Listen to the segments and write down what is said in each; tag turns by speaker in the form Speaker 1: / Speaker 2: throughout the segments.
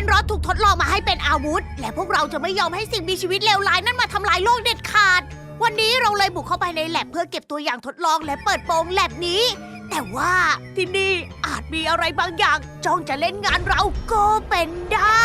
Speaker 1: นรอดถูกทดลองมาให้เป็นอาวุธ และพวกเราจะไม่ยอมให้สิ่งมีชีวิตเลวร้ายนั้นมาทำลายโลกเด็ดขาด วันนี้เราเลยบุกเข้าไปในแลบเพื่อเก็บตัวอย่างทดลองและเปิดโปงแลบนี้ แต่ว่าที่นี่อาจมีอะไรบางอย่างจ้องจะเล่นงานเราก็เป็นได้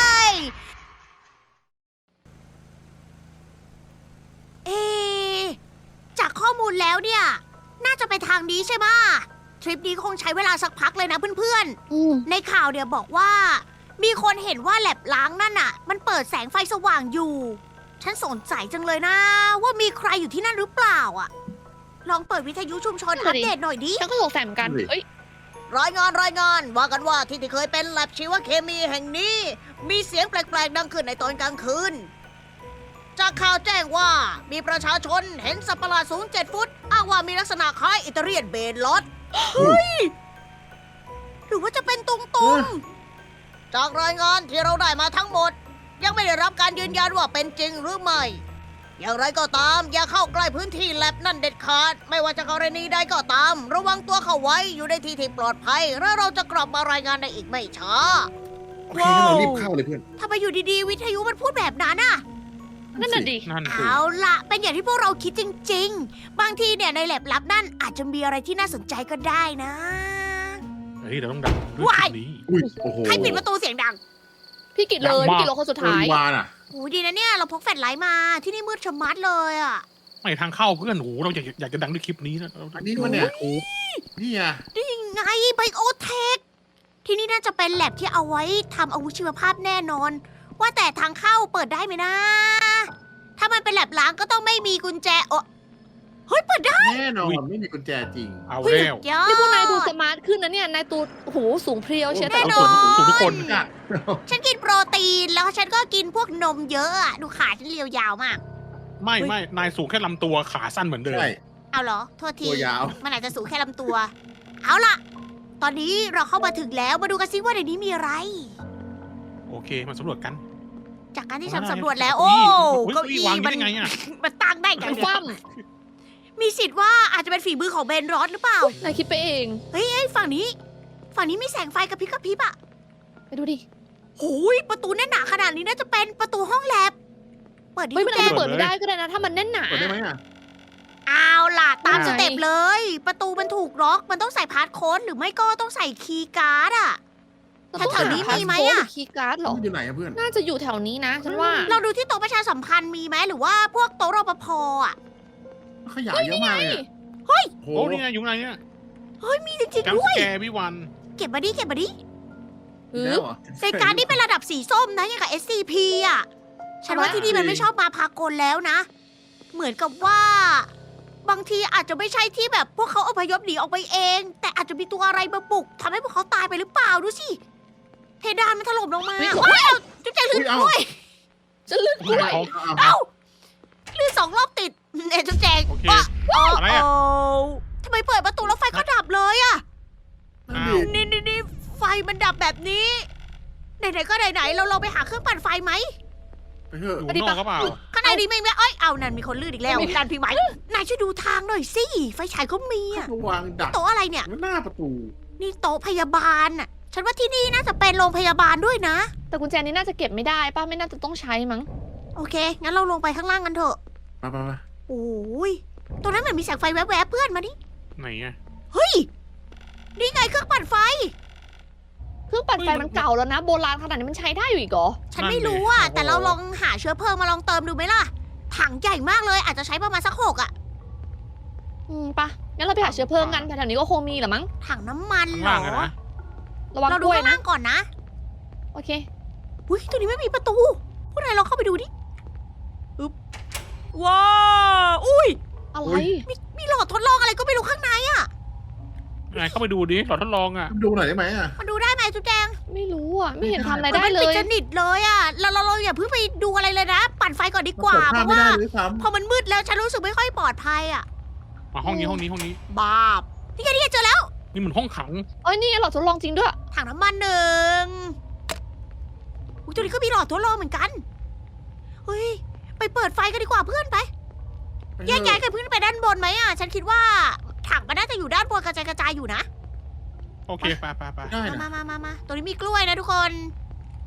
Speaker 1: เอะจากข้อมูลแล้วเนี่ยน่าจะไปทางนี้ใช่ไหมทริปนี้คงใช้เวลาสักพักเลยนะเพื่อนๆในข่าวเนี่ยบอกว่ามีคนเห็นว่าแลบล้างนั่นน่ะมันเปิดแสงไฟสว่างอยู่ฉันสนใจจังเลยนะว่ามีใครอยู่ที่นั่นหรือเปล่าอ่ะลองเปิดวิทยุชุมชนอัปเดตหน่อยดิ
Speaker 2: ฉันก็สงสัยเหมือนกันเอ้ย
Speaker 1: รายงานว่ากันว่าที่เคยเป็นแลบชีวเคมีแห่งนี้ มีเสียงแปลกๆดังขึ้นในตอนกลางคืนจากข่าวแจ้งว่ามีประชาชนเห็นสัตว์ประหลาดสูง7 ฟุตอ้างว่ามีลักษณะคล้ายอิตาเลียนเบนลอดเฮ้ยหรือว่าจะเป็นตุงๆจากรายงานที่เราได้มาทั้งหมด ยังไม่ได้รับการยืนยันว่าเป็นจริงหรือไม่อย่างไรก็ตามอย่าเข้าใกล้พื้นที่แลบนั่นเด็ดขาดไม่ว่าจะกรณีใดก็ตามระวังตัวเข้าไว้อยู่ในที่ที่ปลอดภัยแล้วเราจะกลับมารายงานในอีกไม่ช้า
Speaker 3: โอเคงั้นเรารีบเข้าเลยเพื่อน
Speaker 1: ทำไมอยู่ดีๆวิทยุมันพูดแบบนั้นน่ะ
Speaker 2: นั่นน่ะดิ
Speaker 4: นั่นสิ
Speaker 1: เอาล่ะเป็นอย่างที่พวกเราคิดจริงๆบางทีเนี่ยในแลบลับนั่นอาจจะมีอะไรที่น่าสนใจก็ได้นะ
Speaker 4: เฮ้ยเราต้องดังด้วย
Speaker 1: ว้าย
Speaker 4: คลิปนี้
Speaker 3: อุ้ยโอ้โห
Speaker 1: ใครปิดประตูเสียงดัง
Speaker 2: พี่กิดเลย
Speaker 4: อยากมาก
Speaker 2: พี่กิดรถคนสุด
Speaker 3: เกิน
Speaker 2: ท้าย
Speaker 3: วานอ่ะ
Speaker 1: โอ้ดีนะเนี่ยเราพกแฟลชไลท์มาที่นี่มืดชะมัดเลยอ่ะ
Speaker 4: ไม่ทางเข้าเพื่อนโอ้โหเราอยากจะดังด้วยคลิปนี้นะ
Speaker 3: อันนี้มันเนี่ย
Speaker 4: โอ้โห
Speaker 3: นี่ไง
Speaker 1: นี่ไงไบโอเทคที่นี่น่าจะเป็นแลบที่เอาไว้ทำอาวุธชีวภาพแน่นอน ว่าแต่ทางเข้าเปิดได้ไหมนะ ถ้ามันเป็นแลบล้างก็ต้องไม่มีกุญแจโอ้เฮ้ยเปิดได้
Speaker 3: แน่นอนไม่มีกุญแจจริง
Speaker 4: เอา
Speaker 1: เฮ้ย
Speaker 4: แล้ว
Speaker 1: สุดยอด
Speaker 2: นี่พวกนายดูสมาร์ทขึ้นนะเนี่ยนายตูโอ้โหสูงเพรียวเชียวแต่
Speaker 1: แน่
Speaker 2: ละ
Speaker 1: น
Speaker 2: ค
Speaker 1: อน
Speaker 2: น
Speaker 4: สูงทุกคน
Speaker 3: อ่ะ
Speaker 1: ฉันกินโปรตีนแล้วฉันก็กินพวกนมเยอะอะดูขาฉันเรียวยาวมาก
Speaker 4: ไม่นายสูงแค่ลำตัวขาสั้นเหมือนเดิม
Speaker 3: ใช่
Speaker 1: เอาเหรอ โทษที
Speaker 3: ตัวยาว
Speaker 1: มันอาจจะสูงแค่ลำตัว เอาล่ะ ตอนนี้เราเข้ามาถึงแล้ว มาดูกันซิว่าในนี้มีอะไร
Speaker 4: โอเคมาสำรวจกัน
Speaker 1: จากการที่ฉันสำรวจแล้ว โอ้
Speaker 4: เก้า
Speaker 1: เก้า
Speaker 4: อี้
Speaker 1: อี้
Speaker 4: วางอยู่
Speaker 1: มัน
Speaker 4: ได้ไงอะ
Speaker 1: มันตั้งได้ไง
Speaker 2: มัน
Speaker 1: เนี่ย
Speaker 2: คว่
Speaker 1: มีสิทธิ์ว่าอาจจะเป็นฝีมือของเบนรอสหรือเปล่า
Speaker 2: ำนายคิดไปเอง
Speaker 1: เฮ้ยฝั่งนี้มีแสงไฟกระพริบกระพริบอะ
Speaker 2: ไปดูดิ
Speaker 1: โอ้ยประตูแน่นหนาขนาดนี้น่าจะเป็นประตูห้องแลบ เปิดดิ
Speaker 2: เฮ้ยมัน
Speaker 1: แจ
Speaker 2: อาจ
Speaker 1: ง
Speaker 2: จะเปิดไม่ได้ก็ได้นะถ้ามันแน่นหนา
Speaker 3: เปิดได้ไหมอ่ะ
Speaker 1: เอาล่ะ ตาม
Speaker 2: ไหน
Speaker 1: สเต็ปเลย ประตูมันถูกล็อก มันต้องใส่พาสโค้ดหรือไม่ก็ต้องใส่คีย์การ์ดอะ แถวๆนี้มีไหมอะ
Speaker 2: คีย์การ์ดเหรอ
Speaker 3: มันอยู่ไหนอ่ะเพื่อน
Speaker 2: น่าจะอยู่แถวนี้นะฉันว่า
Speaker 1: เราดูที่โต๊ะประชาสัมพันธ์มีไหมหรือว่าพวกโต๊ะรปภอ่ะ
Speaker 3: ขยะเยอะมากเลยอะโอ้
Speaker 4: โอ้
Speaker 3: โห
Speaker 4: นี่ไงอยู่ไหนเนี่ย
Speaker 1: มีจริง
Speaker 4: แก
Speaker 1: ๆ
Speaker 4: ม
Speaker 1: ด้วย
Speaker 4: แกวิวัน
Speaker 1: เก็บมาดิ
Speaker 3: แล้วเหรอ
Speaker 1: ในการดนี่เป็นระดับสีส้มนะอย่างกับ SCP อ่ะ ฉันว่าที่นี่มันไม่ชอบมาพากลแล้วนะ เหมือนกับว่า บางทีอาจจะไม่ใช่ที่แบบพวกเขาอพยพหนีออกไปเอง แต่อาจจะมีตัวอะไรมาบุกทำให้พวกเขาตายไปหรือเปล่าดูสิ เพดานมันถล่มลงมา
Speaker 2: เฮ้ย
Speaker 1: ว้าวจุ๊บแจงลื่นกล้วย
Speaker 2: จะลึกกล้วย
Speaker 3: เอา
Speaker 1: เอ้าลื่น2 รอบติดเนี่ยจุ๊บแจง
Speaker 4: โอเค
Speaker 1: อะไรอ่ะทำไมเปิดประตูแล้วไฟก็ดับเลยอ่ะ
Speaker 3: นั่นดิ
Speaker 1: นี่ไฟมันดับแบบนี้ ไหนๆก็ไหนๆเราลองไปหาเครื่องปั่นไฟไหม
Speaker 3: ไปเถอะ
Speaker 4: อยู่นอกก็เปล่า
Speaker 1: ข้างในดีไหมเอ้ยเอานั่นมีคนลื่นอีกแล้วดันพี่ไหมนายช่วยดูทางหน่อยสิไฟฉายเขามีอะ
Speaker 3: ระวางดัก
Speaker 1: โต๊ะอะไรเนี่ย
Speaker 3: หน้าประตู
Speaker 1: นี่โต๊ะพยาบาลน่ะฉันว่าที่นี่น่าจะเป็นโรงพยาบาลด้วยนะ
Speaker 2: แต่กุญแจนี้น่าจะเก็บไม่ได้ป้าไม่น่าจะต้องใช้มั้ง
Speaker 1: โอเคงั้นเราลงไปข้างล่างกันเถอะ
Speaker 3: ไป
Speaker 1: โอ้ยตรงนั้นเหมือนมีแสงไฟแวบๆเพื่อนมาดิ
Speaker 4: ไหนอะ
Speaker 1: เฮ้ยนี่ไงเครื่องปั่นไฟ
Speaker 2: เครื่องปั่นไฟมันเก่าแล้วนะโบราณขนาดนี้มันใช้ได้อยู่อีกเหรอ
Speaker 1: ฉันไม่รู้อ่ะแต่เราลองหาเชื้อเพลิงมาลองเติมดูไหมล่ะถังใหญ่มากเลยอาจจะใช้ประมาณสัก6อ่ะ
Speaker 2: ปะงั้นเราไปหาเชื้อเพลิงกันแถวๆนี้ก็คงมีแหละมั้ง
Speaker 1: ถังน้ำมัน
Speaker 4: ข้าง
Speaker 1: เหร
Speaker 4: ล่างอะ
Speaker 1: อ
Speaker 4: นะ
Speaker 2: ระวัง
Speaker 1: เรา
Speaker 2: ก
Speaker 1: ดู
Speaker 2: ล้วย
Speaker 1: ข้าง
Speaker 2: นะ
Speaker 1: ล่างก่อนนะ
Speaker 2: โอเค
Speaker 1: อุ้ยตัวนี้ไม่มีประตู พวกนายลองเข้าไปดูดิอึ๊บว้าวอุ้ย
Speaker 2: อะไร
Speaker 1: มีหลอดทดลองอะไรก็ไม่รู้ข้างในอ่ะ
Speaker 4: นายเข้าไปดูดิหลอดทดลองอะ
Speaker 3: ดูหน่อยได้ไหมอ่ะ
Speaker 1: มันดูได้ไหมจุ๊บแจง
Speaker 2: ไม่รู้อ่ะ ไม่เห็นทำอะไรได้
Speaker 1: มัน
Speaker 2: เล
Speaker 1: ปิด
Speaker 2: ย
Speaker 1: สนิทเลยอ่ะเราอย่าเพิ่งไปดูอะไรเลยนะ ปั่นไฟก่อนดีกว่า
Speaker 3: เปิด
Speaker 1: เพ
Speaker 3: ภาพ
Speaker 1: ราะ
Speaker 3: ไม่
Speaker 1: ว่า
Speaker 3: ได้เลยซ้
Speaker 1: พอมันมืดแล้วฉันรู้สึกไม่ค่อยปลอดภัยอ่ะ
Speaker 4: มาห้องนี้ห้องนี้
Speaker 1: บาปนี่ไงเจอแล้ว
Speaker 4: นี่มันห้องขัง
Speaker 2: เอ้ยนี่หลอดทดลองจริงด้วย
Speaker 1: ถังน้ำมันหนึ่งอุ๊ยตัวนี้ก็มีหลอดทดลองเหมือนกัน เฮ้ย ไปเปิดไฟกันดีกว่าเพื่อนไป
Speaker 3: ำ
Speaker 1: แยกย้ายกันเพื่อนไปด้านบนไหมอ่ะ ฉันคิดว่าถังมันน่าจะอยู่ด้านบนกระจายอยู่นะ
Speaker 4: โอเคไป
Speaker 3: ได้นะ
Speaker 1: มาตรงนี้มีกล้วยนะทุกคน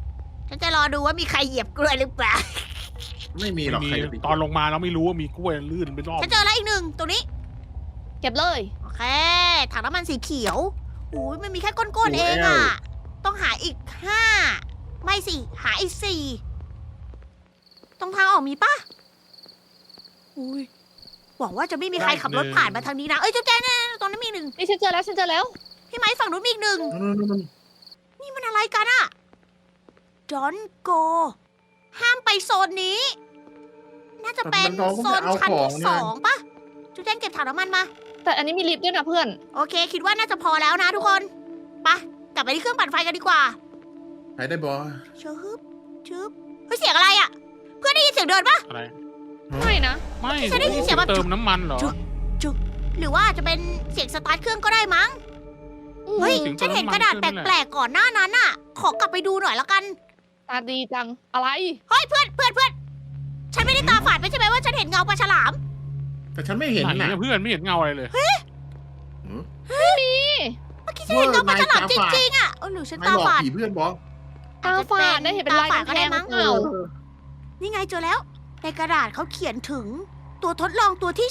Speaker 1: ฉันจะรอดูว่ามีใครเหยียบกล้วยหรือเปล่า
Speaker 3: ไม่มีหรอก
Speaker 4: มี
Speaker 3: ใครจะไป
Speaker 4: ตอนลงมาเราไม่รู้ว่ามีกล้วยลื่นไปรอบ
Speaker 1: ฉันเจอแล้วอีกหนึ่งตรงนี้
Speaker 2: เก็บเลย
Speaker 1: โอเค ถังน้ำมันสีเขียวอุ้ยมันมีแค่ก้นๆเองอะต้องหาอีก 5 ไม่สิ หาอีก 4 ตรงทางออกมีปะอุ้ยหวังว่าจะไม่มีใครขับรถผ่านมาทางนี้นะ เอ้ยเจ้าแจ้งเนี่ยตรงนั้นมีหนึ่ง
Speaker 2: นี่ฉันเจอแล้วฉันเจอแล้ว
Speaker 1: พี่ไม้ฝั่งนู้นมีอีกหนึ่ง
Speaker 3: นู่น
Speaker 1: นี่มันอะไรกันอะ Don't go ห้ามไปโซนนี้ น่าจะเป็นโซนชั้นที่2ปะจุ๊แจ้งเก็บถังน้ำมันมา
Speaker 2: แต่อันนี้มีลิฟต์ด้วยนะเพื่อน
Speaker 1: โอเค คิดว่าน่าจะพอแล้วนะทุกคนไปกลับไปที่เครื่องปั่นไฟกันดีกว่า
Speaker 3: ใครได้บอ
Speaker 1: ชึบชึบเฮ้ยเสียงอะไรอะเพื่อนได้ยินเสียงเดินปะ
Speaker 4: อะไร
Speaker 2: ไม่นะ
Speaker 4: ไม่
Speaker 1: ฉันได้ยินเสียงแบบ
Speaker 4: เติมน้ำมันเหรอ
Speaker 1: หรือว่าจะเป็นเสียงสตาร์ทเครื่องก็ได้มั้ง เฮ้ย
Speaker 4: เสียงเติ
Speaker 1: ฉัน
Speaker 4: ม
Speaker 1: เห็น
Speaker 4: น้ำมัน
Speaker 1: กระดาษ
Speaker 4: เค
Speaker 1: แ
Speaker 4: รื่องนั่น
Speaker 1: ป
Speaker 4: แห
Speaker 1: ล
Speaker 4: ละ
Speaker 1: กๆก่อนหน้านั้นน่ะ ขอกลับไปดูหน่อยแล้วกัน
Speaker 2: ตาดีจัง อะไร
Speaker 1: เฮ้ยเพื่อนฉันไม่ได้ตาฝาดไม่ใช่ไหมว่าฉันเห็นเงาปลาฉลาม
Speaker 3: แต่ฉันไม่เห็น
Speaker 4: ไหน
Speaker 3: นะ
Speaker 4: อะเพื่อนไม่เห็นเงาอะไรเลย
Speaker 2: นี่
Speaker 1: เมื่อกี้ฉันเห็นเงาปลาฉลามจริงๆอะหรือฉัน
Speaker 3: ไม่
Speaker 1: ตา
Speaker 3: หลอก
Speaker 1: ฝาด
Speaker 3: ผีเพื่อนบอ
Speaker 2: ตาฝาดได้เห็นเป็นลาย
Speaker 1: ตาฝาดก็
Speaker 2: กำแพ
Speaker 1: ได้
Speaker 2: ง
Speaker 1: มั้ง
Speaker 2: เปล่า
Speaker 1: นี่ไงเจอแล้ว ในกระดาษเขาเขียนถึง ตัวทดลองตัวที่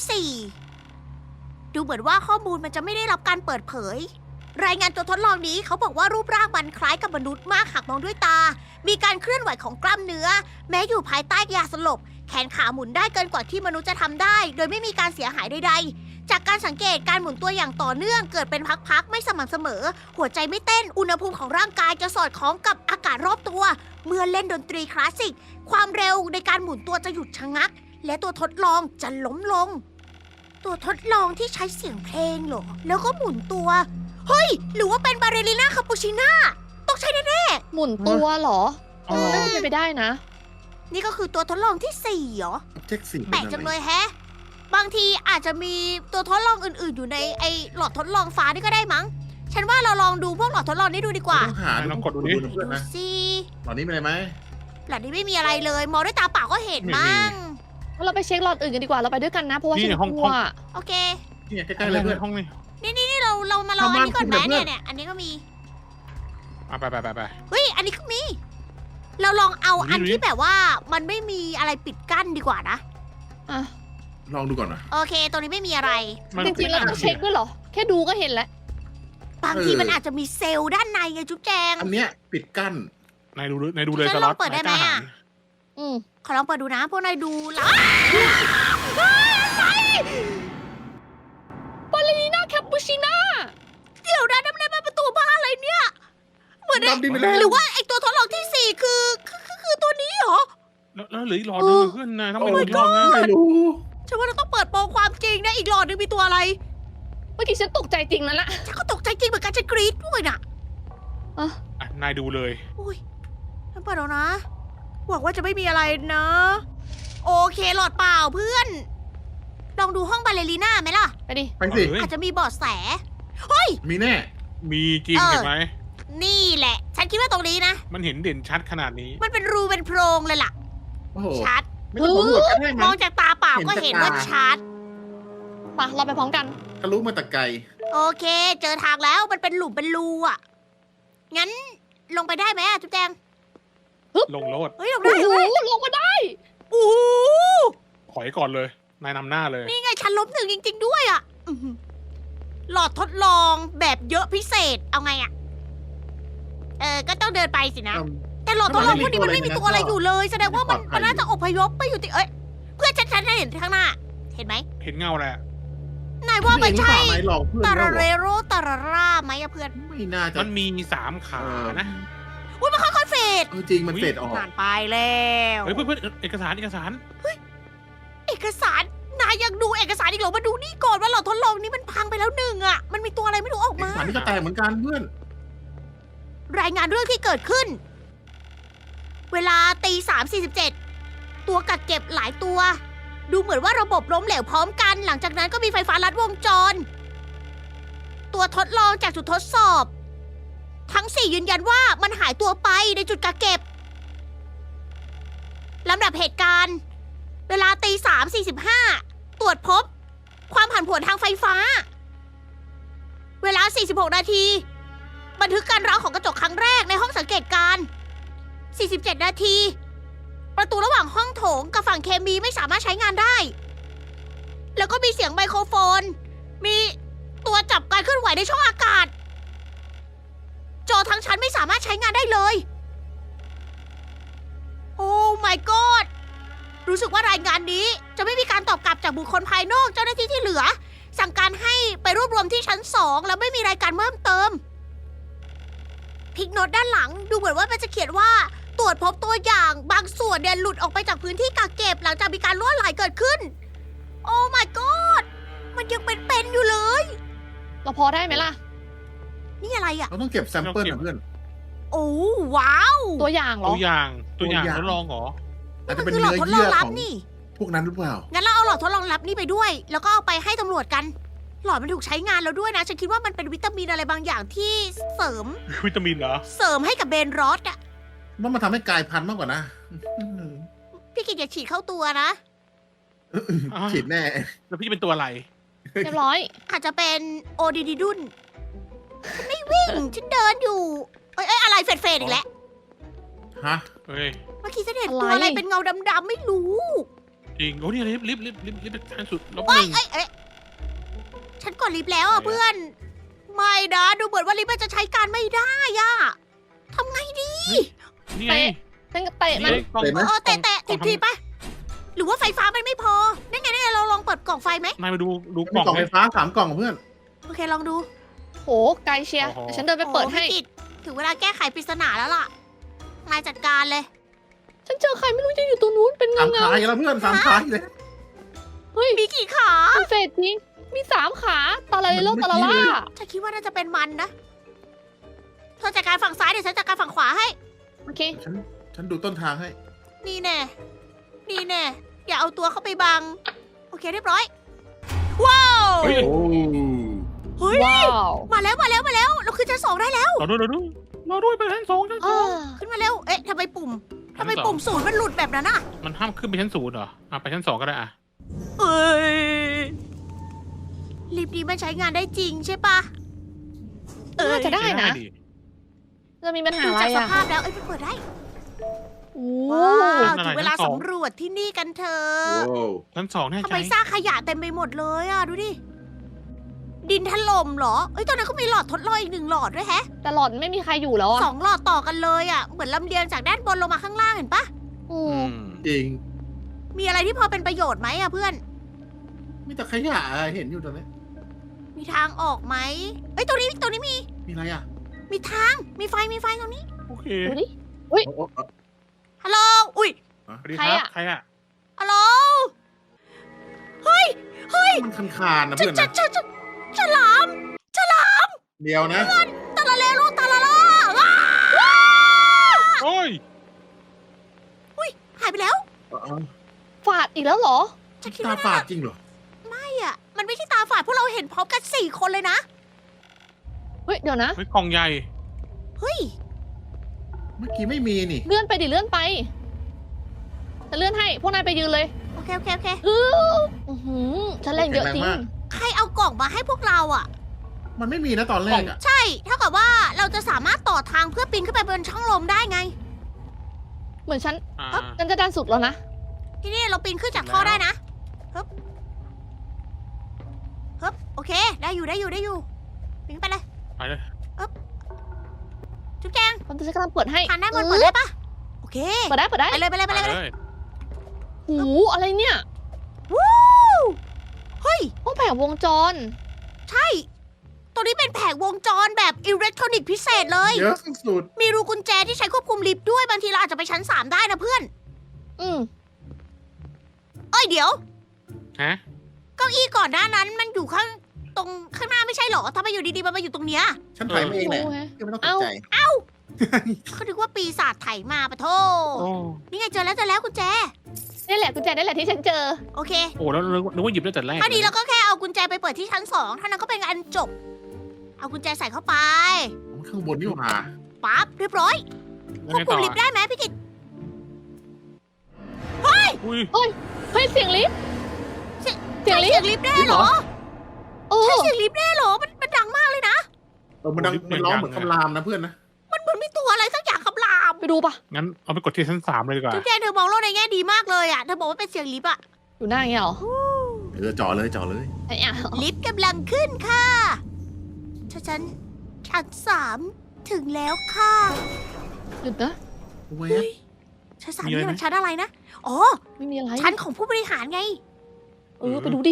Speaker 1: 4 ดูเหมือนว่าข้อมูลมันจะไม่ได้รับการเปิดเผย รายงานตัวทดลองนี้เขาบอกว่ารูปร่างมันคล้ายกับมนุษย์มากหากมองด้วยตา มีการเคลื่อนไหวของกล้ามเนื้อ แม้อยู่ภายใต้ยาสลบ แขนขาหมุนได้เกินกว่าที่มนุษย์จะทำได้ โดยไม่มีการเสียหายใดๆ จากการสังเกตการหมุนตัวอย่างต่อเนื่องเกิดเป็นพักๆไม่สม่ำเสมอ หัวใจไม่เต้นอุณหภูมิของร่างกายจะสอดคล้องกับอากาศรอบตัว เมื่อเล่นดนตรีคลาสสิก ความเร็วในการหมุนตัวจะหยุดชะงัก และตัวทดลองจะล้มลง ตัวทดลองที่ใช้เสียงเพลงเหรอ แล้วก็หมุนตัว เฮ้ย หรือว่าเป็นบาเรลิน่าคาปูชิน่า ต้องใช่แน่
Speaker 2: หมุนตัวเหรอ
Speaker 4: อ๋อ
Speaker 2: น่าจะเป็นไปได้นะ
Speaker 1: ๆนี่ก็คือตัวทดลองที่ 4เหรอ
Speaker 3: เช็คสิ
Speaker 1: แปลกจังเลยแฮะ บางทีอาจจะมีตัวทดลองอื่นๆ อยู่ในไอหลอดทดลองฟ้านี่ก็ได้มั้ง ฉันว่าเราลองดูพวกหลอดทดลองนี้ดูดีกว่า
Speaker 3: ต้องหา
Speaker 4: ลองกดดูดิ
Speaker 3: เพื่อน
Speaker 1: ดู
Speaker 3: นะ
Speaker 1: สิ
Speaker 3: ตอนนี้มีอะไรไหม
Speaker 1: หลอดนี้ไม่มีอะไรเลย มองด้วยตาเปล่าก็เห็นมั้ง
Speaker 2: งั้นเราไปเช็คหลอดอื่นกันดีกว่า เราไปด้วยกันนะ เพราะว่า
Speaker 4: นี่
Speaker 2: ฉัน
Speaker 4: ห้อง
Speaker 2: กลัว
Speaker 1: โอเค
Speaker 3: เนี่ยใกล้ๆเลยเพื่อน
Speaker 4: ห้องนี้
Speaker 1: นี่เรามาลองอันนี้ก่อนไหม
Speaker 3: ทำบ้านคุณ
Speaker 1: เนี่ย อันนี้ก็มี
Speaker 4: อ่ะไป
Speaker 1: เฮ้ย อันนี้ก็มี เราลองเอา
Speaker 4: ดูดิ
Speaker 1: อันที่แบบว่ามันไม่มีอะไรปิดกั้นดีกว่านะ
Speaker 2: อ่ะ
Speaker 3: ลองดูก่อนนะ
Speaker 1: โอเค ตรงนี้ไม่มีอะไร
Speaker 4: มัน
Speaker 2: จริงๆเราต้องเช็คด้วยเหรอ แค่ดูก็เห็นแล้ว
Speaker 1: บางทีมันอาจจะมีเซลล์ด้านในไงจุ๊บแจง
Speaker 3: อันเนี้ยปิดกั้น
Speaker 4: นายดูเลย
Speaker 1: ฉัน
Speaker 4: ส
Speaker 1: ล
Speaker 4: ล็
Speaker 1: อ
Speaker 4: อง ต
Speaker 1: เปิดได้ไหม
Speaker 4: นายกล้า
Speaker 1: อะ
Speaker 4: หาญ
Speaker 2: อืม
Speaker 1: ขอลองเปิดดูนะ พวกนายดูแล้ว
Speaker 2: บาเลริน่าแคปปูชิน่า
Speaker 1: เดี๋ยวนะนั่นมันประตูบ้านอะไรเนี่ย เหมือน
Speaker 3: ดำดินไปแล้ว
Speaker 1: หรือว่าไอตัวทดลองที่ 4 คือตัวนี้เหรอ
Speaker 4: แล้วเหลืออีกหลอดนึงเพื่อนนายต้องไปดูอีกรอบนะ
Speaker 3: ไม่รู้
Speaker 1: ฉันว่าเราต้องเปิดโปงความจริงนะ อีกหลอดนึงมีตัวอะไร
Speaker 2: เมื่อกี้ฉันตกใจจริงนั่นแหละ
Speaker 1: ฉันก็ตกใจจริงเหมือนกันฉันกรี๊ดด้วยน่ะ
Speaker 2: อ่ะ
Speaker 4: อ่ะนายดูเลย
Speaker 1: อุ้ยฉันเปิดแล้วนะ หวังว่าจะไม่มีอะไรนะ โอเคหลอดเปล่าเพื่อน ลองดูห้องบาเลริน่าไหมล่ะ
Speaker 2: ไปดิ
Speaker 3: ไปสิ
Speaker 4: เฮ้ย
Speaker 1: อาจจะมีเบาะแส
Speaker 3: มีแน่
Speaker 4: มีจริง
Speaker 1: เออ
Speaker 4: เห็นไหม
Speaker 1: นี่แหละ ฉันคิดว่าตรงนี้นะ
Speaker 4: มันเห็นเด่นชัดขนาดนี้
Speaker 1: มันเป็นรูเป็นโพรงเลยล่ะ
Speaker 3: โอ้โห
Speaker 1: ชัด
Speaker 3: ไม่ต้องสำรวจกันได้ไหม
Speaker 1: มองจากตาเปล่าก็
Speaker 3: เห็
Speaker 1: เห็น
Speaker 3: นจาก
Speaker 1: ว่า
Speaker 3: ตา
Speaker 1: ชัด
Speaker 2: ไปเราไปพร้อมกัน
Speaker 3: ทะลุมาแต่ไกล
Speaker 1: โอเค เจอทางแล้วมันเป็นหลุมเป็นรูอ่ะ งั้นลงไปได้ไหมอะจุ๊บแจง
Speaker 4: ลงโลด
Speaker 1: เฮ้ยลง
Speaker 2: โอ้
Speaker 1: ได้
Speaker 2: โห
Speaker 1: เว้ย
Speaker 2: ลงมาได้
Speaker 1: โอ้โห
Speaker 4: ถอยก่อนเลย นายนำหน้าเลย
Speaker 1: นี่ไงฉันล้มหนึ่งจริง ๆ ด้วยอ่ะอื้อหือหลอดทดลองแบบเยอะพิเศษ เอาไงอ่ะ ก็ต้องเดินไปสินะ แต่หลอดทดลองพวกนี้มันไม่มีตัวอะไรอยู่เลย แสดงว่ามันน่าจะอพยพไปอยู่ที่เพื่อนฉันเห็นข้างหน้า เห็นไหม
Speaker 4: เห็นเงาแหละ
Speaker 1: นายว่ามันใช่
Speaker 3: ไหมหลอกเพื่อน
Speaker 1: ตา
Speaker 3: เรา
Speaker 1: รา
Speaker 3: เห
Speaker 1: เร
Speaker 3: รอ
Speaker 1: โรตาราร่าไหมอะเพื่อน
Speaker 3: ไม่น่าจะ
Speaker 4: มันมี3 ขานะ
Speaker 1: อุ้ยมันค่อยๆเฟด
Speaker 3: จริงมันเฟดออก
Speaker 1: ผ่านไปแล้ว
Speaker 4: เฮ้ยเพื่อนเอกสาร
Speaker 1: เอกสารนายยังดูเอกสารอีกเหรอมาดูนี่ก่อนว่าหลอดทดลองนี้มันพังไปแล้วหนึ่งอ่ะ มันมีตัวอะไรไม่รู้ออกมา
Speaker 3: ฝันนี่ก็แตกเหมือนกันเพื่อน
Speaker 1: รายงานเรื่องที่เกิดขึ้น เวลา3:47ตัวกักเก็บหลายตัว ดูเหมือนว่าระบบล้มเหลวพร้อมกัน หลังจากนั้นก็มีไฟฟ้าลัดวงจร ตัวทดลองจากจุดทดสอบ ทั้ง 4 ยืนยันว่ามันหายตัวไปในจุดกักเก็บลำดับเหตุการณ์ เวลา3:45ตรวจพบ ความผันผวนทางไฟฟ้า เวลา46 นาที บันทึกการร้าวของกระจกครั้งแรกในห้องสังเกตการณ์ 47 นาที ประตูระหว่างห้องโถงกับฝั่งเคมีไม่สามารถใช้งานได้ แล้วก็มีเสียงไมโครโฟน มีตัวจับการเคลื่อนไหวในช่องอากาศ จอทั้งชั้นไม่สามารถใช้งานได้เลย โอ้ my god รู้สึกว่ารายงานนี้จะไม่มีการตอบกลับจากบุคคลภายนอกเจ้าหน้าที่ที่เหลือ สั่งการให้ไปรวบรวมที่ชั้น 2 แล้วไม่มีรายการเพิ่มเติมพิกโนตด้านหลังดูเหมือนว่ามันจะเขียนว่า ตรวจพบตัวอย่างบางส่วนเนี่ยหลุดออกไปจากพื้นที่กักเก็บหลังจากมีการล่วไหลเกิดขึ้น โอ้ my god มันยังเป็นอยู่เลย
Speaker 2: เราพอได้ไหมล่ะ
Speaker 1: นี่อะไรอ่ะ
Speaker 3: เราต้องเก็บแซมเปิลนะเพื่อน
Speaker 1: โอ้ว้าว
Speaker 2: ตัวอย่างเหรอ
Speaker 4: ตัวอย่างทดลองเหรอ
Speaker 3: อาจจะ
Speaker 1: มัน
Speaker 3: เป็น
Speaker 1: คือหลอ
Speaker 3: เนื้
Speaker 1: ด
Speaker 3: อ
Speaker 1: ทดลอ
Speaker 3: เยื่
Speaker 1: ง
Speaker 3: อ
Speaker 1: ลับ
Speaker 3: ของ
Speaker 1: นี่
Speaker 3: พวกนั้นหรือเปล่า
Speaker 1: งั้นเราเอาหลอดทดลองลับนี่ไปด้วย แล้วก็เอาไปให้ตำรวจกัน หลอดมันถูกใช้งานแล้วด้วยนะ ฉันคิดว่ามันเป็นวิตามินอะไรบางอย่างที่เสริม
Speaker 4: วิตามินเหรอ
Speaker 1: ให้กับเบนรอสอะ
Speaker 3: ว่ามันทำให้กลายพันธุ์มากกว่านะ
Speaker 1: พี่กิจอย่าฉีดเข้าตัวนะ
Speaker 3: ฉีดแน่
Speaker 4: แล้วพี่จะเป็นตัวอะไร
Speaker 2: เรียบร้อย
Speaker 1: อาจจะเป็นโอดีดีดุนฉันไม่วิ่ง ฉันเดินอยู่ เอ้ยอะไรเฟดๆอีกแล้ว
Speaker 3: ฮะ
Speaker 4: เฮ้ย
Speaker 1: เมื่อกี้ฉันเห็นตัว
Speaker 2: อะไร
Speaker 1: อะไรเป็นเงาดำๆไม่รู้
Speaker 4: จริง โอ้นี่ลิฟต์ขั้นสุดลบ
Speaker 1: เอ้
Speaker 4: ห
Speaker 1: ย
Speaker 4: นึ่ง
Speaker 1: เอ้ยฉันกดลิฟต์แล้วอ่ะเพื่อน ไม่นะ ดูเหมือนว่าลิฟต์มันจะใช้การไม่ได้อ่ะทำไงดี
Speaker 4: นี่ไง
Speaker 2: ฉันก็เตะมัน
Speaker 4: กล่อง
Speaker 3: เห็นไหม
Speaker 1: แตะทีไป หรือว่าไฟฟ้ามันไม่พอนั่นไงเราลองเปิดกล่องไฟไหม
Speaker 4: นายมาดูก
Speaker 3: มี
Speaker 4: ล่อง
Speaker 3: กล่อง
Speaker 4: เล
Speaker 3: ไฟ
Speaker 4: ย
Speaker 3: ฟ้า3 กล่องเพื่อน
Speaker 1: โอเคลองดู
Speaker 2: โหไกลเชียร์
Speaker 4: โอ้โห
Speaker 2: เดี๋ยวฉันเดินไปเปิดให้
Speaker 1: โอ้พี่กิตถึงเวลาแก้ไขปริศนาแล้วล่ะนายจัดการเลย
Speaker 2: ฉันเจอใครไม่รู้จะอยู่ตรงนู้นเป็น
Speaker 3: สาม
Speaker 2: เงา
Speaker 3: ขาอีกแล้วเพื่อน3 ขาอีกเลย
Speaker 2: ๆเฮ้ย
Speaker 1: มีกี่ขา
Speaker 2: มันเฟดจริง มี3 ขาตาลาเลโล
Speaker 3: มัน
Speaker 2: ตาลา
Speaker 3: เมื่อกี้
Speaker 2: ล่า
Speaker 3: เลย
Speaker 1: ฉันคิดว่าน่าจะเป็นมันนะเธอจัดการฝั่งซ้ายเดี๋ยวฉันจัดการฝั่งขวาให้
Speaker 2: โอเค
Speaker 3: ฉันดูต้นทางให้
Speaker 1: นี่แน่อย่าเอาตัวเข้าไปบัง โอเคเรียบร้อย ว้าว
Speaker 4: เฮ้ย
Speaker 3: โอ้
Speaker 1: เฮ้ย
Speaker 2: ว้าว
Speaker 1: มาแล้วเราขึ้นชั้น 2ได้แล้ว
Speaker 4: เราด้วยไปชั้น 2ชั้น
Speaker 2: อ่า
Speaker 1: ขึ้นมาเร็วเอ๊ะทำไมปุ่ม
Speaker 4: ชั้นสอง
Speaker 1: ปุ่มศูนย์มันหลุดแบบนั้นอ่ะ
Speaker 4: มันห้ามขึ้นไปชั้น 0เหรอไปชั้น 2ก็ได้อะ
Speaker 1: เอ้ยลิฟต์นี้มันใช้งานได้จริงใช่ปะ
Speaker 2: น่าจะได้นะ
Speaker 4: ดิ
Speaker 2: จะมีปัญหา
Speaker 1: ดู
Speaker 2: อะไร
Speaker 1: จากส
Speaker 2: อ่ะ
Speaker 1: ภาพแล้วเอ้ยมันเปิดได้
Speaker 2: โอ้
Speaker 1: ว้าว
Speaker 4: นั่น
Speaker 1: ถึ
Speaker 4: อะไร
Speaker 1: งเวลา
Speaker 4: ชั้นสอง
Speaker 1: สำรวจที่นี่กันเถอ
Speaker 3: โห
Speaker 1: ะ
Speaker 4: ชั้น 2แน่
Speaker 1: ทำ
Speaker 4: ใจ
Speaker 1: ไมซากขยะเต็มไปหมดเลยอ่ะ ดูดิ ดินถล่มเหรอ เอ้ยตอนนั้นก็มีหลอดทดลองอีก1 หลอดด้วยแฮะ
Speaker 2: แต่หลอดไม่มีใครอยู่แล้วอ่ะ
Speaker 1: 2 หลอดต่อกันเลยอ่ะ เหมือนลำเลียงจากด้านบนลงมาข้างล่างเห็นปะ
Speaker 2: อื
Speaker 4: อื
Speaker 2: ม
Speaker 4: ม
Speaker 3: จริง
Speaker 1: มีอะไรที่พอเป็นประโยชน์ไหมอ่ะเพื่อน
Speaker 3: มีแต่ขยะอะเห็นอยู่ตอนนี้
Speaker 1: มีทางออกไหมเอ้ยตรงนี้มี
Speaker 3: มีอะไรอ่ะ
Speaker 1: มีทาง มีไฟตรงนี้
Speaker 4: โอเค
Speaker 2: ดูดิ
Speaker 3: โอ้โห
Speaker 1: ฮัลโหล อุ้ย
Speaker 4: สวัสดี
Speaker 2: ใคร
Speaker 4: ครับ
Speaker 2: อะ
Speaker 4: ใครอะ
Speaker 1: ฮัลโหล เฮ้ย
Speaker 3: มันคานๆนะเพื่อนนะ
Speaker 1: ฉลาม
Speaker 3: เดียวนะ
Speaker 1: ตาลาเลโลตาลาล่าว้า
Speaker 4: โอ้ย
Speaker 1: หายไปแล้ว
Speaker 2: ฝาดอีกแล้วเหรอ
Speaker 1: ฉันคิด
Speaker 3: ตา
Speaker 1: ว่า
Speaker 3: ฝาดจริงเหรอ
Speaker 1: ไม่อ่ะ มันไม่ใช่ตาฝาดพวกเราเห็นพร้อมกัน4 คนเลยนะ
Speaker 2: เฮ้ย เดี๋ยวนะ
Speaker 4: เฮ้ยกล่องใหญ่
Speaker 1: เฮ้ย
Speaker 3: เมื่อกี้ไม่มีนี่
Speaker 2: เลื่อนไปดิเลื่อนไป จะเลื่อนให้ พวกนายไปยืนเลย
Speaker 1: โอเค
Speaker 2: อื้อหือฉันแรงเยอะจริง
Speaker 3: แข็งแรงมาก
Speaker 1: ใครเอากล่องมาให้พวกเราอ่ะ
Speaker 3: มันไม่มีนะตอนแรกอ่ะ
Speaker 1: ใช่ เท่ากับว่าเราจะสามารถต่อทางเพื่อปีนขึ้นไปบนช่องลมได้ไง
Speaker 2: เหมือนฉัน
Speaker 4: อ่า
Speaker 2: ฉันจะดันสุดแล้วนะ
Speaker 1: ที่นี่เราปีนขึ้นจากท่อได้นะฮึบโอเค ได้อยู่ปีนไปเลย
Speaker 4: ไปเลย
Speaker 1: จุ๊บแจง
Speaker 2: ผมจะกำลังเปิดให้
Speaker 1: ทางด้านบนเปิดได้ปะโอเค
Speaker 2: เปิดได้
Speaker 1: ไปเลย
Speaker 4: ไปเลย
Speaker 2: หูอะไรเนี่ย
Speaker 1: วู้เฮ้ย
Speaker 2: ห้องแผงวงจร
Speaker 1: ใช่ ตัวนี้เป็นแผงวงจรแบบอิเล็กทรอนิกส์พิเศษเลย
Speaker 3: เยอะสุด
Speaker 1: มีรูกุญแจที่ใช้ควบคุมลิฟต์ด้วย บางทีเราอาจจะไปชั้น 3 ได้นะเพื่อน
Speaker 2: อืม
Speaker 1: เอ้ยเดี๋ยว
Speaker 4: ฮะ
Speaker 1: เก้าอี้ก่อนหน้านั้นมันอยู่ตรงข้างหน้าไม่ใช่เหรอทำไมอยู่ดีๆมันมาอยู่ตรงเนี้ย
Speaker 3: ๆฉันถ่ายมาเองแหละ
Speaker 2: โอ้ย
Speaker 3: ก็ไม่ต้องตกใจ
Speaker 1: เขาคิดว่าปีศาจไถมาปะโท
Speaker 4: โอ้
Speaker 1: นี่ไงเจอแล้วกุญแจ
Speaker 2: นี่แหละกุญแจนี่แหละที่ฉันเจอ
Speaker 1: โอเค
Speaker 4: โหแล้วนึกว่าหยิบได้แต่แรก
Speaker 1: ถ้าดีเราก็แค่เอากุญแจไปเปิดที่ชั้น 2เท่านั้นก็เป็นอันจบ เอากุญแจใส่เข้าไป
Speaker 3: ข้างบนนี่หว่า
Speaker 1: ปั๊บเรียบร้อย
Speaker 4: ยัง
Speaker 1: ควบ
Speaker 4: ไง
Speaker 1: คุ
Speaker 4: ต่
Speaker 1: ม
Speaker 4: อ
Speaker 1: ลิฟต์ได้ไหมพี่กิต
Speaker 4: อุ้ย
Speaker 2: เฮ้ย เสียงลิฟต์ เสียง
Speaker 1: ใช่
Speaker 2: ลิฟ
Speaker 1: เสีย
Speaker 2: ต์
Speaker 1: งลิฟต์แน่เหรอ
Speaker 2: โอ้
Speaker 1: ใช่เสียงลิฟต์แน่เหรอมันดังมากเลยนะ
Speaker 3: มันร้องเหมือนคำรามนะเพื่อนนะ
Speaker 1: มันเหมือนมีตัวอะไรสักอย่างคำราม
Speaker 2: ไปดูปะ
Speaker 4: งั้นเอาไปกดที่ชั้น 3เลยดีกว่า
Speaker 1: จุ๊บแจงเธอมองโลกในแง่ดีมากเลยอ่ะ เธอบอกว่าเป็นเสียงลิฟต์อ่ะ
Speaker 2: อยู่หน้าอย่างเงี้ยเหรอ
Speaker 3: จ่อเลยจ่อเลย
Speaker 2: ไอ้อะ
Speaker 1: ลิฟต์กำลังขึ้นค่ะชั้น3ถึงแล้วค่ะ
Speaker 2: หยุดนะ
Speaker 3: เวฟ
Speaker 1: ชั้น3นี่มันชั้นอะไรนะ อ๋อ
Speaker 2: ไม่มีอะไร
Speaker 1: ชั้นของผู้บริหารไง
Speaker 2: ไปดูดิ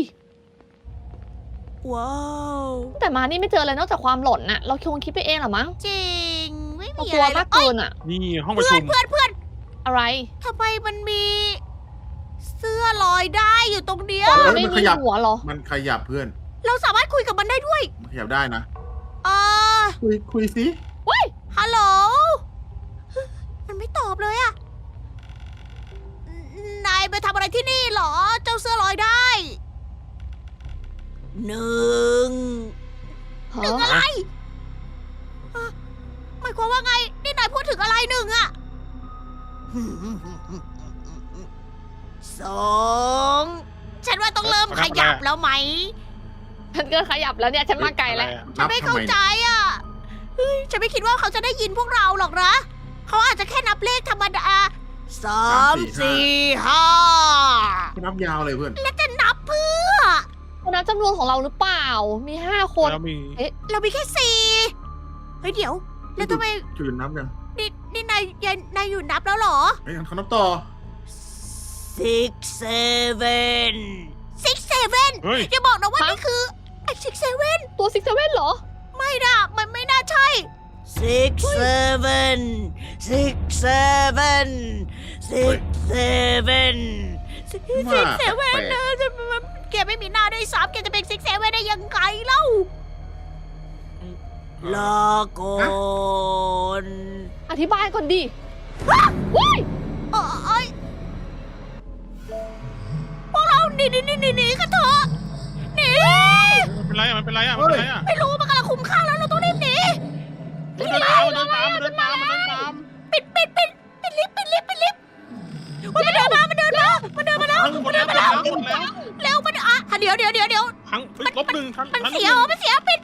Speaker 1: ว้าว
Speaker 2: แต่มานี่ไม่เจออะไรนอกจากความหล่อนน่ะ เราคงคิดไปเองเหรอมั้ง
Speaker 1: จริง ไม่
Speaker 2: เรา
Speaker 1: มี
Speaker 2: กลั
Speaker 1: อะ
Speaker 2: ว
Speaker 1: ไร
Speaker 2: มาก
Speaker 1: เอ้
Speaker 2: เกิ
Speaker 1: ย
Speaker 2: นอ่ะ
Speaker 4: นี่ห้องประชุม
Speaker 1: เพื่อน
Speaker 2: อะไร
Speaker 1: ทำไมมันมีเสื้อลอยได้อยู่ตรงเนี้ย
Speaker 2: ไม่มีหัวเหรอ
Speaker 3: มันขยับเพื่อน
Speaker 1: เราสามารถคุยกับมันได้ด้วย
Speaker 3: มันขยับได้นะ
Speaker 1: เออ
Speaker 3: คุยสิ
Speaker 1: ฮัลโหล มันไม่ตอบเลยอะนายไปทำอะไรที่นี่เหรอ เจ้าเสื้อลอยได้หนึ่ง
Speaker 2: ฮะ
Speaker 1: หนึ่งอะไรอะหมายความว่าไง นี่นายพูดถึงอะไรหนึ่งอะสองฉันว่าต้องเริ่มขยับแล้วไหม
Speaker 2: ฉันก็ขยับแล้วเนี่ยฉันมาไกลแล้ว
Speaker 1: ฉันไม่เข้าใจอ่ะเฮ้ยฉันไม่คิดว่าเขาจะได้ยินพวกเราหรอกนะ เขาอาจจะแค่นับเลขธรรมดา3 4
Speaker 3: นับยาวเลยเพื่อน
Speaker 1: 5 แล้วจะนับเพื่อ
Speaker 2: คนนับจำนวนของเราหรือเปล่า มี5 คน
Speaker 4: แล้วมี
Speaker 1: เรามีแค่4เฮ้ยเดี๋ยว แล้วทำไม
Speaker 3: จุดนับยัง
Speaker 1: นี่นายอยู่นับแล้วเหรอ
Speaker 3: เฮ้ยเขานับต่อ
Speaker 1: 6 7
Speaker 4: เฮ้ย
Speaker 1: อย่าบอกนะว่านี่คือไอ้6 7
Speaker 2: ตัวซิกเซเว่นเหรอ
Speaker 1: ไม่นะมันไม่น่าใช่ 6 7 6 7 6 7
Speaker 3: ว่า
Speaker 1: 6 7
Speaker 3: แปลก
Speaker 1: นะแกไม่มีหน้าด้วยซ้ำแกจะเป็น6 7ได้ยังไงเล่าลาก่อน
Speaker 2: อธิบายก่อนดิว้าย
Speaker 1: เอ้ยพวกเราหนีกันเถอะหนี
Speaker 4: มันเป็นไรอ่ะมันเป็นไรอ่ะมันเป็นไรอ่ะ
Speaker 1: ไม่รู้มันกำลังคุ้มข้างแล้วเราต้องรีบหนี
Speaker 4: มันเดินตามมันเดินตามมันเดินตามมันเดินตาม
Speaker 1: ปิดลิฟต์มันเดินมาแล้ว
Speaker 4: หมดแล้วหมดแล้วหมดแล้ว
Speaker 1: เร็วมันเดี๋ยว
Speaker 4: ทั้งลบหนึ่งทั้ง
Speaker 1: มัน
Speaker 4: ทั้ง
Speaker 1: เสียปิด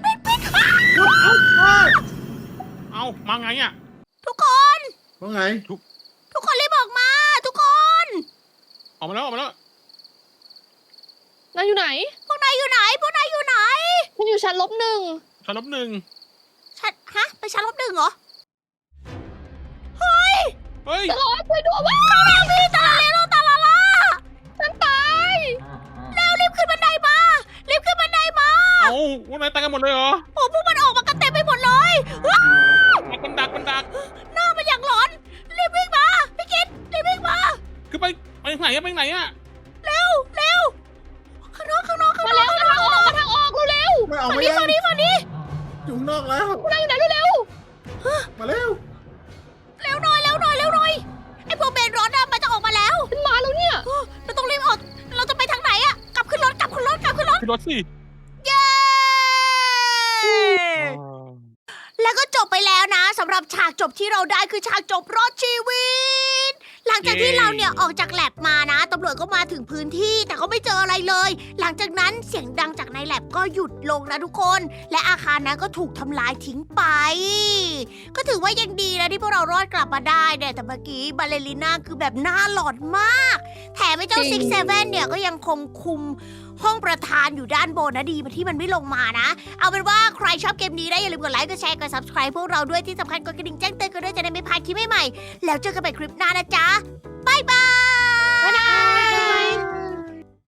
Speaker 4: เอ้ามาไงอ่ะ
Speaker 1: ทุกคน
Speaker 3: ว่าไง
Speaker 1: ทุกคนรีบออกมาทุกคน
Speaker 4: ออกมาแล้วออกมาแล้ว
Speaker 2: นายอยู่ไหน
Speaker 1: พวกนายอยู่ไหน
Speaker 2: ฉันอยู่ชั้น-1
Speaker 4: ชั้นลบหนึ่ง
Speaker 1: ไปชั้น-1เหรอ
Speaker 4: เฮ้ย
Speaker 2: จะรอช่วยด้วยว้า
Speaker 1: พี่ตาลาล่า
Speaker 2: ฉันตาย
Speaker 1: รีบขึ้นบันไดมา
Speaker 4: เอ้าวันไหนตายกันหมดเลยเหรอ
Speaker 1: โอ้พวกมันออกมากันเต็มไปหมดเลย
Speaker 4: มันดัก
Speaker 1: หน้ามันอย่างหลอนรีบวิ่งมาพี่กิตรีบวิ่งมา
Speaker 4: คือไปไหนอะไปไหนอะ
Speaker 1: เร็วข้างนอก
Speaker 2: มาแล้วมาทางออกเร็ว
Speaker 3: ไม่เอา
Speaker 1: ฝั่ง
Speaker 3: ไม่
Speaker 1: นี้
Speaker 3: ได้
Speaker 1: ฝั่งนี้
Speaker 3: อยู่ข้างนอกแล้ว
Speaker 2: ๆนายอยู่ไหนเร็ว
Speaker 3: มาเร็ว
Speaker 1: เร็วหน่อยไอ้พวกเบนร้อนน่ะมันจะออกมาแล้ว
Speaker 2: ๆฉันมาแล้วเนี่ย
Speaker 1: เราต้องรีบออกเราจะไปทางไหนอะกลับขึ้นรถ
Speaker 4: ขึ้นรถสิ
Speaker 1: เย้แล้วก็จบไปแล้วนะสำหรับฉากจบที่เราได้คือฉากจบรอดชีวิต หลังจากที่เราเนี่ยออกจากแลบมานะตำรวจก็มาถึงพื้นที่แต่เขาไม่เจออะไรเลย หลังจากนั้นเสียงดังจากในแลบก็หยุดลงนะทุกคน และอาคารนั้นก็ถูกทำลายทิ้งไป ก็ถือว่ายังดีนะที่พวกเรารอดกลับมาได้เนี่ยแต่เมื่อกี้บาเลริน่าคือแบบหน้าหลอนมาก แถมไอ้เจ้าซิกเซเว่นเนี่ยก็ยังคงคุมห้องประธานอยู่ด้านบนนะดีที่มันไม่ลงมานะ เอาเป็นว่าใครชอบเกมนี้ได้อย่าลืมกดไลค์กดแชร์กด subscribe พวกเราด้วยที่สำคัญกดกระดิ่งแจ้งเตือนกันด้วยจะได้ไม่พลาดคลิปใหม่ๆแล้วเจอกันใหม่คลิปหน้านะจ๊ะบ๊ายบาย